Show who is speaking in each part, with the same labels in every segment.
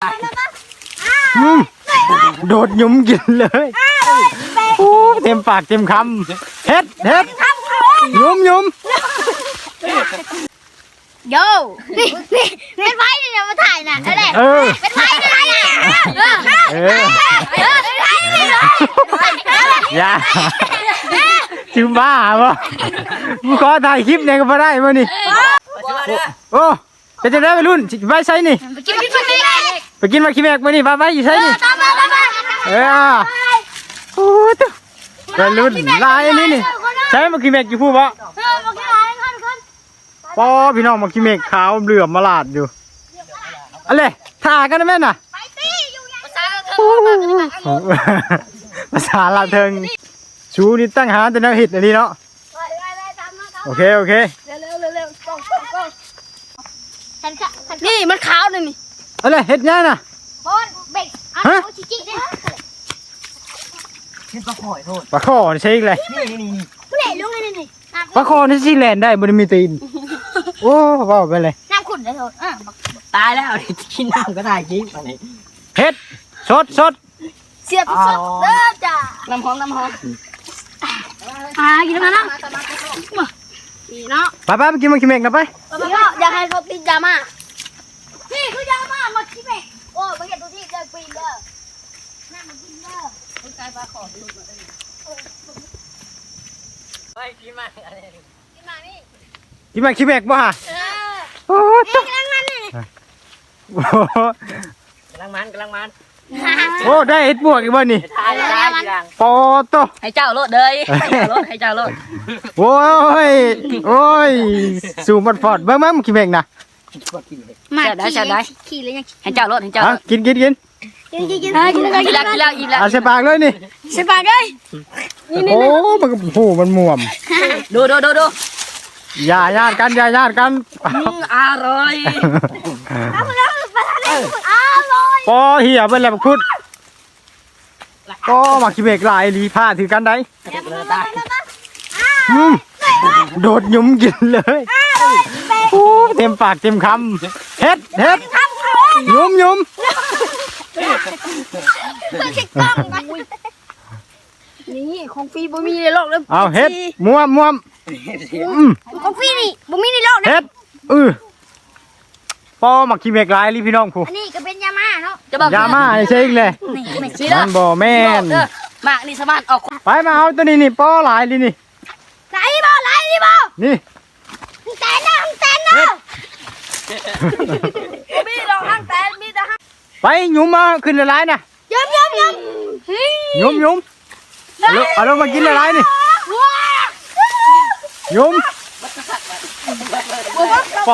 Speaker 1: โดดหยุมกินเลยโอ้เต็มปากเต็มคำเฮ็ดหยุม
Speaker 2: โย่เป็นไพ่เนี่ยมาถ่ายน่ะอะไรเป็นไพ่อะไรอ่ะ
Speaker 1: อย่าจิ้มบ้าบ่มึงขอถ่ายคลิปเนี่ยก็พอได้มานี่โอ้เป็นจะได้ไปรุ่นไปใช้นี่ไปกินมาขี้แมกมานี่ไปอยู่ใช้นี่โอ้ตัวไปรุ่นลายอันนี้นี่ใช้มาขี้แมกอยู่พูดบ่ปอพี่น้องมาขี้เมฆขาวเหลือมมาลาดอยู่อะไรถ่ากันนะแม่น่ะภาษาลาเทิงชูนี่ตั้งหาแต่แนวหิดอันนี้เนาะโอเค
Speaker 2: นี่มันขาวหนึ่งนี่
Speaker 1: อะไรเห็ดง่ายน่ะฮะปลาข้อใช่เลยปลาข้อนี่ซีแลนได้บนมีตีนโอ้ว้าวไปเลย
Speaker 2: น้ำขุ่นได้โทษ
Speaker 3: ตายแล้วกินน้ำก็ได้กินตอนนี้
Speaker 1: เฮ็ดสด
Speaker 2: เสียบสดเริ่มจ้ะ
Speaker 3: น้ำหอม
Speaker 2: กินมาเนาะนี่เนาะ
Speaker 1: ไปกินมาขี้เมฆนะไป
Speaker 2: อยากให้เขากินยามานี่คือยามาขี้เมฆโอ้มาเห็นตัวที่เดินปีนเด้อนั่งมากินเด้อคนใจปลาขอดูมาเลย
Speaker 3: ไปกินมาอะไร
Speaker 2: กินมานี่
Speaker 1: กินมาขี้เมฆบ่ฮะโอ้ตัว
Speaker 2: กำลังมันนี่
Speaker 3: กำลังมัน
Speaker 1: โอ้ได้เห็ดบวกอีกบ่นี่ปอโต
Speaker 3: ให้เจ้าโลดเลยให้เจ้าโลด
Speaker 1: โอ้ยสูบมันฟอดเบิ่งขี้เมฆน่ะ
Speaker 2: มาได้ขี่เลยยัง
Speaker 3: ให้เจ้าโลด
Speaker 1: กิน
Speaker 2: กินแล้วอิ่มแล้ว
Speaker 1: ใส่ปากเลยนี่
Speaker 2: ใส่ปากเลย
Speaker 1: โอ้มันม่วม
Speaker 3: ดู
Speaker 1: อย่าญาติกัน
Speaker 3: อร่อย
Speaker 1: ปอเหี่ยเป็นแล้วพุดปอมาขี้เมฆลายลีผ้าถือกันได้โดดหยุมกินเลยโอ้เต็มปากเต็มคำเฮ็ดหยุม
Speaker 2: นี่ของฟรีบ่มีในโลกเลย
Speaker 1: เอาเฮ็ดม่วม
Speaker 2: ของฟรีนี่บ่มีในโลกนะ
Speaker 1: เฮ็ดปอมาขี้เมฆลายลีพี่น้องผู้
Speaker 2: อันนี้ก็เป็นยาม่าเนาะ
Speaker 1: ยาม่าใช่อีกเลยมันบ่แม่น
Speaker 3: มากนี่สามารถออก
Speaker 1: ไปมาเอาตัวนี้นี่ปอหลายลีนี่
Speaker 2: ไหลบ่
Speaker 1: นี่
Speaker 2: แตนนะมีดอกห้างแตนมีแต่ห้าง
Speaker 1: ไปหยุมมาขึ้นละลายนะ
Speaker 2: ยม
Speaker 1: เอาลงมากินละลายนี่หยุมปอ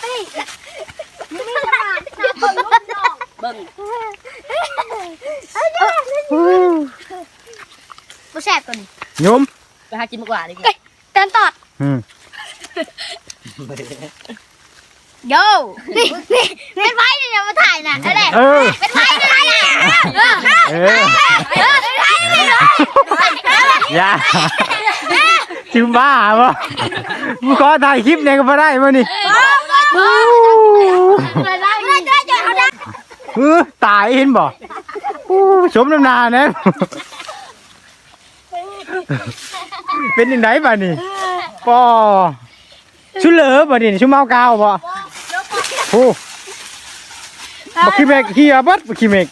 Speaker 2: บ่แซ่บตัวนี้
Speaker 1: หยุม
Speaker 3: ไปหากินมากกว่าดิ
Speaker 2: แตนตอดโย่เป็นไพ่เนี่ยมาถ่ายน่ะอะไรเป็นไพ่อะไรอ่ะ
Speaker 1: อย่าจิ้มบ้าบ่มึงขอถ่ายคลิปเนี่ยก็พอได้มานี่ตายเห็นบ่สมน้ำนาเนี่ยเป็นยังไงบ้านี่ปอชุเหลือบ่นี่ชุเมากาวบ่โอ้บักขี้เมฆเฮียบัดบักขี้เมฆ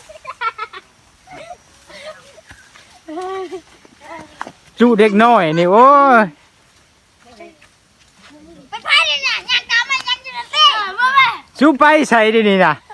Speaker 1: จูเด็กน้อยนี่โอ้ย
Speaker 2: ไปพายเลยนะยังกำมันยังอยู่ในเต้
Speaker 1: จูไปใส่ดินี่นะ